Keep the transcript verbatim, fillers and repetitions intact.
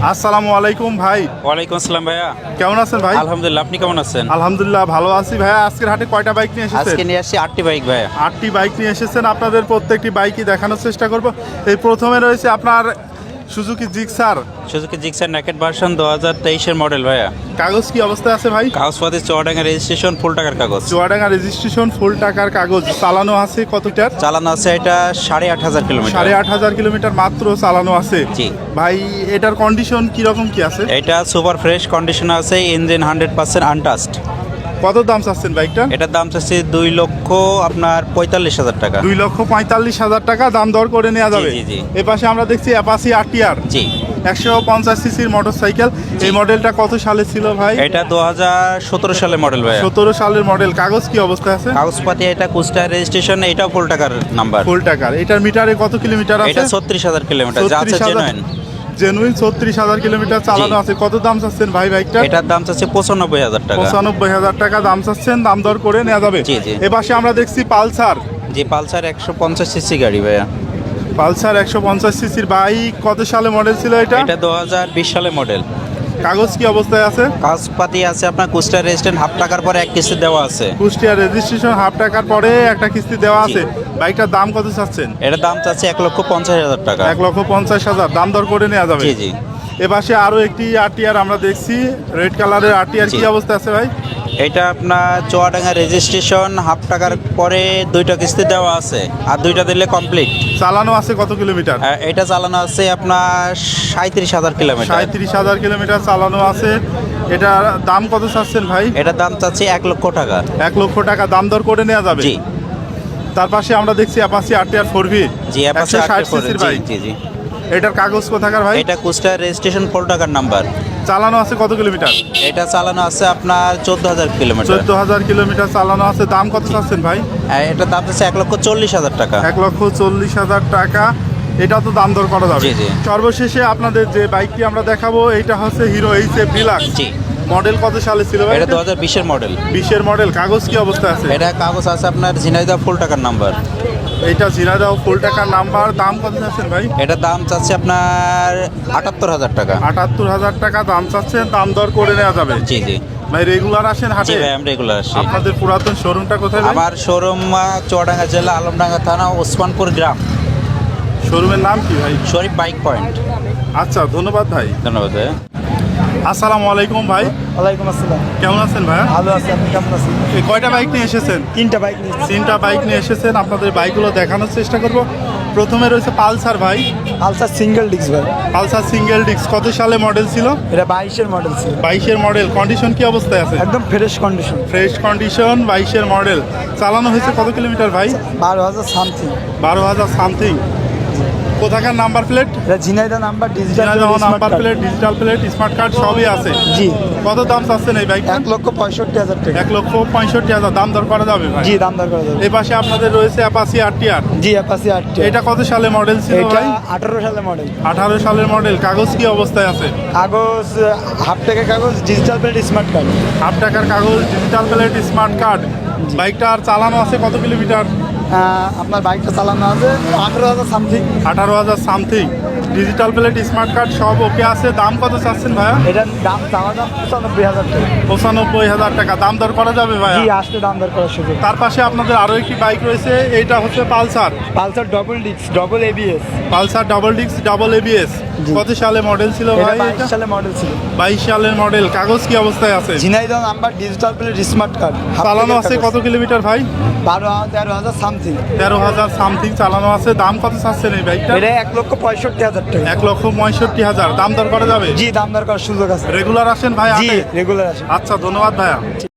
আসসালামু আলাইকুম ভাই। ওয়ালাইকুম আসসালাম ভাইয়া, কেমন আছেন ভাই? আলহামদুলিল্লাহ, আপনি কেমন আছেন? আলহামদুলিল্লাহ ভালো আছি ভাইয়া। আজকের হাটে কয়টা বাইক নিয়ে এসেছেন? আজকে নিয়ে আসছি আটটি বাইক ভাইয়া। আটটি বাইক নিয়ে এসেছেন। আপনাদের প্রত্যেকটি বাইকই দেখানোর চেষ্টা করব। এই প্রথমে রয়েছে আপনার Suzuki Gixxer. Suzuki Gixxer naked version দু হাজার তেইশের মডেল ভাইয়া। কাগজ কি অবস্থায় আছে ভাই? কাগজপাতি চুয়াডাঙ্গা রেজিস্ট্রেশন, ফুল টাকার কাগজ। চুয়াডাঙ্গা রেজিস্ট্রেশন, ফুল টাকার কাগজ। চালানো আছে কতটার? চালানো আছে এটা সাড়ে আট হাজার কিলোমিটার। সাড়ে আট হাজার কিলোমিটার মাত্র চালানো আছে। জি ভাই, এটার কন্ডিশন কিরকম কি আছে? এটা সুপার ফ্রেশ কন্ডিশন আছে, ইঞ্জিন হান্ড্রেড পার্সেন্ট আনটাস্ট। কত দাম চাচ্ছেন বাইকটা? এটার দাম চাচ্ছি দুই লক্ষ আপনার পঁয়তাল্লিশ হাজার টাকা। দুই লক্ষ পঁয়তাল্লিশ হাজার টাকা দাম দর করে নেওয়া যাবে। জি, জি। এ পাশে আমরা দেখছি অ্যাপাচি আরটিআর জি, একশো পঞ্চাশ সিসির মোটর সাইকেল। এই মডেলটা কত সালে ছিল ভাই? এটা দু হাজার সতেরো সালের মডেল ভাইয়া। সতেরো সালের মডেল। কাগজ কি অবস্থায় আছে? কাগজপাতি এটা কুষ্টার রেজিস্ট্রেশন, এটাও ফুল টাকার নাম্বার। ফুল টাকার। এটার মিটারে কত কিলোমিটার আছে? এটা ছত্রিশ হাজার কিলোমিটার, যা আছে জেনুইন। জেনুইন ছত্রিশ হাজার কিলোমিটার চালানো আছে। কত দাম চাচ্ছেন ভাই বাইকটা? এটার দাম চাচ্ছে পঁচানব্বই হাজার টাকা। পঁচানব্বই হাজার টাকা দাম চাচ্ছেন, দাম দর করে নেওয়া যাবে। জি, জি। এ পাশে আমরা দেখছি পালসার। জি, পালসার একশো পঞ্চাশ সিসি গাড়ি ভাইয়া। পালসার একশো পঞ্চাশ সিসির বাইক। কত সালে মডেল ছিল এটা? এটা দু হাজার বিশ সালে মডেল। কাগজ কি অবস্থায় আছে? কাগজপাতি আছে আপনার কুষ্টার রেজিস্ট্রেশন, হাফ টাকার পরে এক কিস্তি দেওয়া আছে। কুষ্টিয়া রেজিস্ট্রেশন, হাফ টাকার পরে একটা কিস্তি দেওয়া আছে। বাইকটার দাম কত চাচ্ছেন? এটার দাম চাচ্ছে এক লক্ষ পঞ্চাশ হাজার টাকা। এক লক্ষ পঞ্চাশ হাজার দাম দর করে নেওয়া যাবে। জি, জি। এ পাশে আরো একটি আরটিআর আমরা দেখছি, রেড কালারের আরটিআর। জি। কি অবস্থা আছে ভাই? এটা আপনার চুয়াডাঙ্গা রেজিস্ট্রেশন, হাফ টাকার পরে দুইটা কিস্তি দেওয়া আছে, আর দুইটা দিলে কমপ্লিট। চালানো আছে কত কিলোমিটার? এটা চালানো আছে আপনার সাঁত্রিশ হাজার কিলোমিটার। সাঁত্রিশ হাজার কিলোমিটার চালানো আছে। এটার দাম কত চাচ্ছেন ভাই? এটার দাম চাচ্ছি এক লক্ষ টাকা। এক লক্ষ টাকা দাম দর করে নেওয়া যাবে। জি। তার পাশে আমরা দেখছি অ্যাপাচি আরটিআর ফোর ভি। জি, একশো ষাট সিসির জি, বাইক। জি, জি। এটার কাগজ কোথাকার ভাই? এটা কুষ্টার রেজিস্ট্রেশন, ফুল টাকার নাম্বার। চালানো আছে কত কিলোমিটার? এটা চালানো আছে আপনার চোদ্দ হাজার কিলোমিটার। চোদ্দ হাজার কিলোমিটার চালানো আছে। দাম কত চাচ্ছেন ভাই? এটার দাম হচ্ছে এক লক্ষ চল্লিশ হাজার টাকা। এক লক্ষ চল্লিশ হাজার টাকা। এটা তো দাম দর করা যাবে। জি, জি। সর্বশেষে আপনাদের যে বাইকটি আমরা দেখাবো, এইটা হচ্ছে হিরো এইচ এফ ডিলাক্স। জি। মডেল কত সালে ছিল ভাই? এটা দু হাজার বিশের মডেল। বিশের মডেল। কাগজ কি অবস্থা আছে? এটা কাগজ আছে আপনার ঝিনাইদহ, ফুল টাকার নাম্বার। এইটা ঝিনাইদহ, ফুল টাকার নাম্বার। দাম কত চাচ্ছেন ভাই? এটার দাম চাচ্ছে আপনার আটাত্তর হাজার টাকা। আটাত্তর হাজার টাকা দাম চাচ্ছেন, দাম দর করে নেওয়া যাবে। জি, জি। ভাই রেগুলার আসেন জি হাটে? ভাই, আমি রেগুলার আসি। আপনাদের পুরাতন শোরুমটা কোথায় ভাই? আমার শোরুম চুয়াডাঙ্গা জেলা, আলমডাঙ্গা থানা, ওসমানপুর গ্রাম। শোরুমের নাম কি ভাই? Sharif bike point. আচ্ছা, ধন্যবাদ ভাই। ধন্যবাদ ভাই। আসসালামু আলাইকুম ভাই। ওয়ালাইকুম আসসালাম। কেমন আছেন ভাই? ভালো আছি, আপনি কেমন আছেন? এই কয়টা বাইক নিয়ে এসেছেন? তিনটা বাইক নিয়েছি। তিনটা বাইক নিয়ে এসেছেন। আপনাদের বাইকগুলো দেখানোর চেষ্টা করব। প্রথমে রয়েছে পালসার ভাই। পালসার সিঙ্গেল ডিস্ক ভাই। Pulsar single disc. কত সালে মডেল ছিল? এটা বাইশের মডেল ছিল। বাইশের মডেল। কন্ডিশন কি অবস্থায় আছে? একদম ফ্রেশ কন্ডিশন। ফ্রেশ কন্ডিশন, বাইশের মডেল। চালানো হয়েছে কত কিলোমিটার ভাই? বারো হাজার সামথিং। বারো হাজার সামথিং। কোথাকার নাম্বার প্লেট? এটা Jhenaidah number, digital number plate, digital plate, smart card সবই আছে। জি। কত দাম চাচ্ছেন এই বাইকটা? এক লক্ষ পঁয়ষট্টি হাজার টাকা। এক লক্ষ পঁয়ষট্টি হাজার দাম দর করা যাবে ভাই? জি, দাম দর করা যাবে। এই পাশে আপনাদের রয়েছে অ্যাপাচি আরটিআর। জি, অ্যাপাচি আটটি। এটা কত সালে মডেল ছিল এটা ভাই? আঠারো সালে মডেল। আঠারো সালের মডেল। কাগজ কি অবস্থায় আছে? কাগজ হাফ টাকা কাগজ, digital plate, smart card. Half টাকার কাগজ, ডিজিটাল প্লেট, স্মার্ট কার্ড। বাইকটা আর চালানো আছে কত কিলোমিটার? আপনার বাইকটা চালানো আছে আঠারো হাজার সামথিং। আঠারো হাজার something. Digital plate, smart card সব ওকে আছে। দাম কত চাচ্ছেন ভাইয়া? এটার দাম চাওয়া দাম পঁচানব্বই হাজার টাকা। পঁচানব্বই হাজার টাকা দাম দর করা যাবে ভাইয়া? জি, আসলে দাম দর করার সুযোগ। তার পাশে আপনাদের আরো একটি বাইক রয়েছে। এইটা হচ্ছে Pulsar. Pulsar double disc, double ABS. Pulsar double disc, double ABS. জি। কত সালে মডেল ছিল এটা ভাই? বাইশ সালে মডেল ছিল। বাইশ সালের মডেল। কাগজ কি অবস্থায় আছে? Jhenaidah number, digital plate, smart card. চালানো আছে কত কিলোমিটার ভাই? বারো তেরো হাজার সামথিং। তেরো হাজার সামথিং চালানো আছে। দাম কত চাচ্ছেন এই বাইকটা? এটা এক লক্ষ পঁয়ষট্টি হাজার টাকা। এক লক্ষ পঁয়ষট্টি হাজার দাম দর করা যাবে? জি, দাম দর করার সুযোগ আছে। রেগুলার আসেন ভাই জি, হাটে? রেগুলার আছে। আচ্ছা, ধন্যবাদ ভাইয়া।